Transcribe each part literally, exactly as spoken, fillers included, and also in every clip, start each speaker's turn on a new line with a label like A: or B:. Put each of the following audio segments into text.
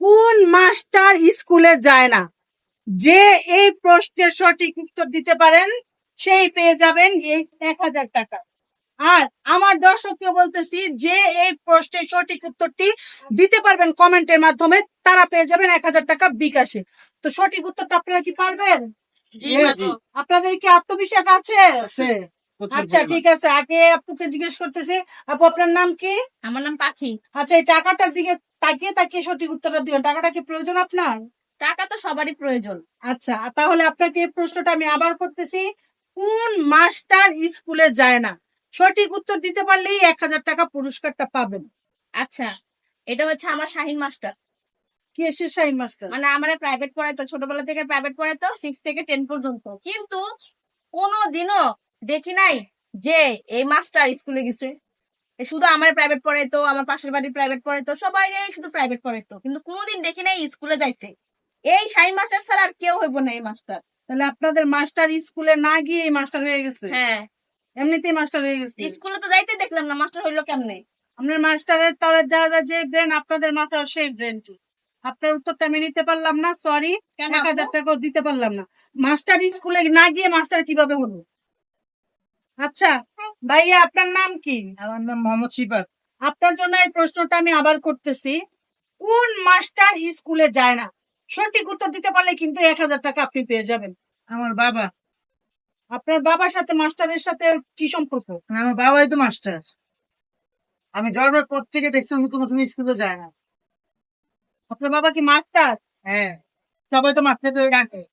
A: কোন মাস্টার স্কুলে যায় না? যে এই প্রশ্নের সঠিক উত্তর দিতে পারেন সেই পেয়ে যাবেন এই এক হাজার টাকা। আর আমার দর্শককে বলতেছি, যে এই প্রশ্নের সঠিক উত্তরটি দিতে পারবেন কমেন্টের মাধ্যমে তারা পেয়ে যাবেন এক হাজার টাকা বিকাশে। তো সঠিক উত্তরটা আপনারা কি পারবেন? আপনাদের কি আত্মবিশ্বাস আছে? আচ্ছা ঠিক আছে, আগে আপুকে জিজ্ঞেস করতেছি, আপু আপনার নাম কি?
B: আমার নাম পাখি।
A: আচ্ছা, এই টাকাটার দিকে তাকিয়ে তাকিয়ে সঠিক উত্তরটা দিবেন। টাকাটা কি প্রয়োজন আপনার?
B: টাকা তো সবারই প্রয়োজন।
A: আচ্ছা, তাহলে আপনাকে এই প্রশ্নটা আমি আবার করতেছি, কোন মাস্টার স্কুলে যায় না? সঠিক উত্তর দিতে পারলেই এক হাজার টাকা পুরস্কারটা পাবেন।
B: আচ্ছা, এটা হচ্ছে আমার শাহিন মাস্টার।
A: কি এসে শাহিন মাস্টার?
B: মানে আমার প্রাইভেট পড়াইতো, ছোটবেলা থেকে প্রাইভেট পড়াইতো, সিক্স থেকে টেন পর্যন্ত। কিন্তু কোনোদিনও দেখি নাই যে এই মাস্টার স্কুলে গেছে। এ শুধু আমার প্রাইভেট পড়াইতো, আমার পাশের বাড়ির প্রাইভেট পড়াইতো, সবাই শুধু প্রাইভেট পড়াইতো, কিন্তু কোনোদিন দেখি নাই স্কুলে যাইতে। এই শাহিন মাস্টার ছাড়া আর কেউ হইব না এই মাস্টার।
A: তাহলে আপনাদের মাস্টার স্কুলে না গিয়ে মাস্টার হয়ে গেছে?
B: হ্যাঁ,
A: এমনিতেই মাস্টার হয়ে গেছে।
B: স্কুলে তো যাইতে দেখলাম না, মাস্টার হইলো কেমনে?
A: আপনার মাস্টারের তলে যা যা যে ব্রেন, আপনাদের মাথার সেই ব্রেনটি। আপনার উত্তরটা আমি নিতে পারলাম না, সরি।
B: কেন
A: এক হাজার
B: আপু?
A: টাকাও দিতে পারলাম না। মাস্টার স্কুলে না গিয়ে মাস্টার কিভাবে হলো? আচ্ছা ভাইয়া, আপনার নাম কি?
C: আমার নাম মোহাম্মদ শিফাত।
A: আপনার জন্য এই প্রশ্নটা আমি আবার করতেছি, কোন মাস্টার স্কুলে যায় না? সঠিক উত্তর দিতে পারলে কিন্তু এক হাজার টাকা আপনি পেয়ে যাবেন।
C: আমার বাবা।
A: আপনার বাবার সাথে মাস্টারের সাথে কি সম্পর্ক?
C: আমার বাবাই তো মাস্টার। আমি জন্মের পর থেকে দেখছি উনি কোনো সময় স্কুলে যায় না।
A: আপনার বাবা কি মাস্টার?
C: হ্যাঁ, সবাই তো মাস্টার ধরে ডাকে।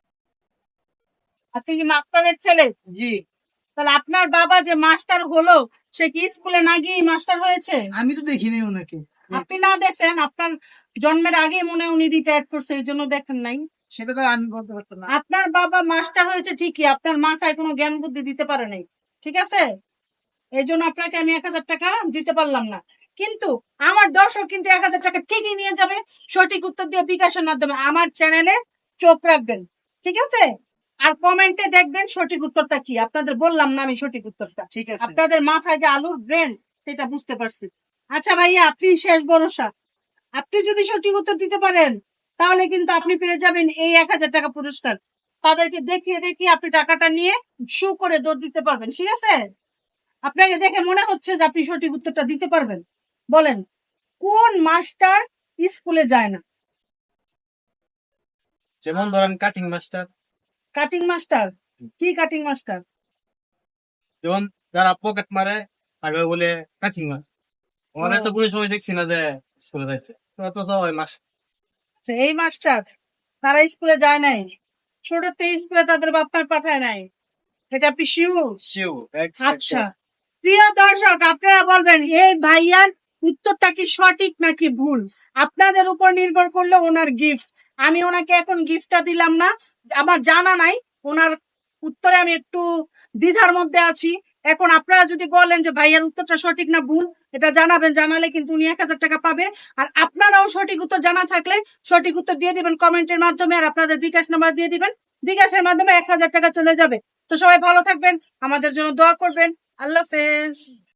A: আপনি কি মাস্টারের ছেলে?
C: জি।
A: তাহলে আপনার বাবা যে মাস্টার হলো, সে কি স্কুলে না গিয়ে মাস্টার হয়েছে?
C: আমি তো দেখিনি ওনাকে।
A: আপনি না দেখেন, আপনার জন্মের আগে মনে হয় উনি রিটায়ার করছে, এই জন্য দেখেন নাই।
C: সেটা তো আমি বলতে পারতাম না।
A: আপনার বাবা মাস্টার হয়েছে ঠিকই, আপনার মাথায় কোনো জ্ঞান বুদ্ধি দিতে পারে নাই, ঠিক আছে? এই জন্য আপনাকে আমি এক হাজার টাকা দিতে পারলাম না। কিন্তু আমার দর্শক কিন্তু এক হাজার টাকা ঠিকই নিয়ে যাবে সঠিক উত্তর দিয়ে বিকাশের মাধ্যমে। আমার চ্যানেলে চোখ রাখবেন, ঠিক আছে? আর কমেন্টে দেখবেন সঠিক উত্তরটা কি। আপনাদের বললাম না আমি সঠিক উত্তরটা?
C: ঠিক আছে।
A: আপনাদের মাথায় যে আলুর ব্রেন, সেটা বুঝতে পারছি। আচ্ছা ভাইয়া, আপনি শেষ ভরসা। আপনি যদি সঠিক উত্তর দিতে পারেন তাহলে কিন্তু আপনি পেয়ে যাবেন এই এক হাজার টাকা পুরস্কার। তাদেরকে দেখিয়ে দেখিয়ে আপনি টাকাটা নিয়ে শো করে দৌড় দিতে পারবেন, ঠিক আছে? আপনাকে দেখে মনে হচ্ছে যে আপনি সঠিক উত্তরটা দিতে পারবেন। বলেন, কোন মাস্টার স্কুলে যায় না?
C: যেমন ধরেন কাটিং মাস্টার।
A: Cutting master? কি কাটিং মাস্টার?
C: যেমন যারা পকেট মারে তাকে বলে কাটিং মাস্টার। ওরা তো কোনো সময় দেখছি না যে স্কুলে যাইতে। তোরা তো সবাই মাস।
A: আচ্ছা, এই মাস্টার তারা স্কুলে যায় নাই, ছোটতে স্কুলে তাদের বাপ মা পাঠায় নাই, এটা আপনি শিওর?
C: শিউ।
A: আচ্ছা প্রিয় দর্শক, আপনারা বলবেন এই ভাইয়ার উত্তরটা কি সঠিক নাকি ভুল। আপনাদের উপর নির্ভর করলে ওনার গিফট। আমি ওনাকে এখন গিফটটা দিলাম না, আমার জানা নাই ওনার উত্তরে, আমি একটু দ্বিধার মধ্যে আছি। এখন আপনারা যদি বলেন যে ভাইয়ার উত্তরটা সঠিক না ভুল, এটা জানাবেন, জানালে কিন্তু উনি এক হাজার টাকা পাবে। আর আপনারাও সঠিক উত্তর জানা থাকলে সঠিক উত্তর দিয়ে দিবেন কমেন্টের মাধ্যমে, আর আপনাদের বিকাশ নাম্বার দিয়ে দিবেন, বিকাশের মাধ্যমে এক হাজার টাকা চলে যাবে। তো সবাই ভালো থাকবেন, আমাদের জন্য দোয়া করবেন। আল্লাহ হাফেজ।